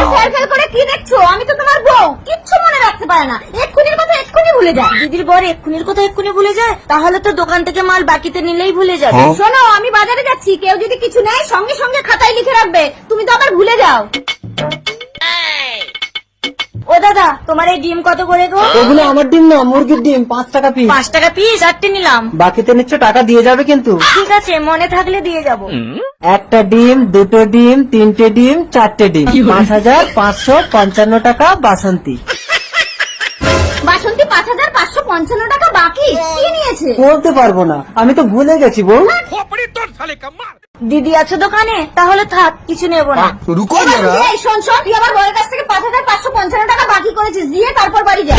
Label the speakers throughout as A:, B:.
A: Fail করে কি দেখছো? আমি তো তোমার বউ, কিচ্ছু মনে রাখতে পারে না, এক্ষুনির কথা এক্ষুনি ভুলে যায়।
B: দিদির বর এক্ষুনির কথা এক্ষুনি ভুলে যায়, তাহলে তো দোকান থেকে মাল বাকিতে নিলেই ভুলে যাবে।
A: শোনো, আমি বাজারে যাচ্ছি, কেউ যদি কিছু নেয় সঙ্গে সঙ্গে খাতায় লিখে রাখবে, তুমি তো আবার ভুলে যাও।
B: ও দাদা, তোমার এই ডিম কত করে গো?
C: ওগুলো আমার ডিম না, মুরগির ডিম, 5 টাকা পিস।
B: 5 টাকা পিস, 4টে নিলাম।
C: বাকিতে নিচ্ছ, টাকা দিয়ে যাবে কিন্তু।
B: ঠিক আছে, মনে থাকলে দিয়ে যাব।
C: একটা ডিম, 2টো ডিম, 3টে ডিম, 4টে ডিম, 5,555 টাকা বাসন্তী।
A: বাসন্তী 5,555 টাকা বাকি, কি নিয়েছে?
C: বলতে পারবো না, আমি তো ভুলে গেছি বউ।
B: দিদি আছে দোকানে, তাহলে থাক, কিছু নেব না।
D: रुको
A: এবার
D: जरा।
A: এই শোন শোন, তুই আমার বউয়ের কাছ থেকে 5,555 টাকা বাকি করেছিস, দিয়ে তারপর বাড়ি যা।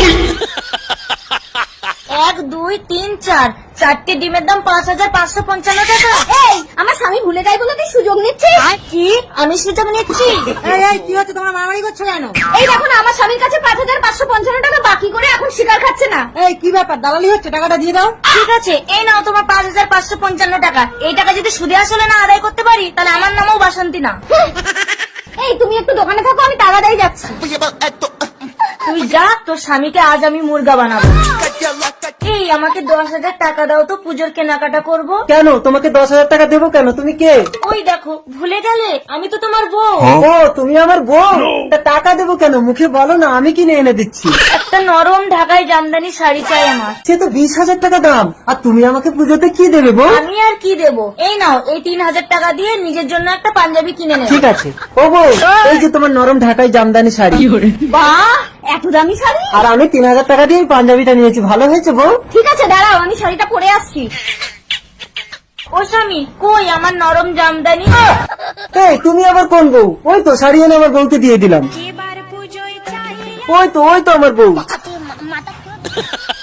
B: 1 2 3 4, 4টে ডিমের দাম 5,555 টাকা।
A: এই, আমার স্বামী ভুলে যায় বলে তুই সুযোগ নিচ্ছিস?
B: কি? আমি সুযোগ নিচ্ছি?
E: কি হচ্ছে, তোমরা মারামারি করছো কেন?
A: এই দেখো না, আমার স্বামীর কাছে 5,555 টাকা বাকি করে এখন স্বীকার খাচ্ছে না।
E: এই কি ব্যাপার, দালালি হচ্ছে? টাকাটা দিয়ে দাও।
B: ঠিক আছে, এই নাও তোমার 5,555 টাকা। এই টাকা যদি সুদে আসলে না আদায় করতে পারি, তাহলে আমার নামও বাসন্তী না।
A: এই, তুমি একটু দোকানে থাকো, আমি টাকা দিয়ে যাচ্ছি।
B: তুই যা, তোর স্বামীকে আজ আমি মুরগা বানাবো। এই, আমাকে 10,000 টাকা দাও তো, পুজোর কেনাকাটা করব।
C: কেন তোমাকে 10,000 টাকা দেবো কেন? তুমি কে?
B: ওই দেখো, ভুলে গেলে? আমি তো তোমার বউ।
C: ও, তুমি আমার বউ? তা টাকা দেবো কেন? মুখে বলো না, আমি কিনে এনে দিচ্ছি।
B: একটা নরম ঢাকাই জামদানি শাড়ি চাই আমার।
C: সে তো 20,000 টাকা দাম, আর তুমি আমাকে পুজোতে কি দেবে বউ?
B: আমি আর কি দেবো? এই নাও, এই 3,000 টাকা দিয়ে নিজের জন্য একটা পাঞ্জাবি কিনে নেব।
C: ঠিক আছে। ও বউ, এই যে তোমার নরম ঢাকাই জামদানি শাড়ি।
A: বাহ, এত দামি শাড়ি!
C: আর আমি 3,000 টাকা দিয়ে এই পাঞ্জাবিটা নিয়েছি, ভালো হয়েছে বউ?
A: ঠিক আছে, দাঁড়াও, আমি শাড়িটা পরে আসছি।
B: ও স্বামী, কই আমার নরম জামদানি?
C: এই, তুমি আবার কোন বউ? ওই তো শাড়ি এনে আমার বউকে দিয়ে দিলাম। ওই তো আমার বউ।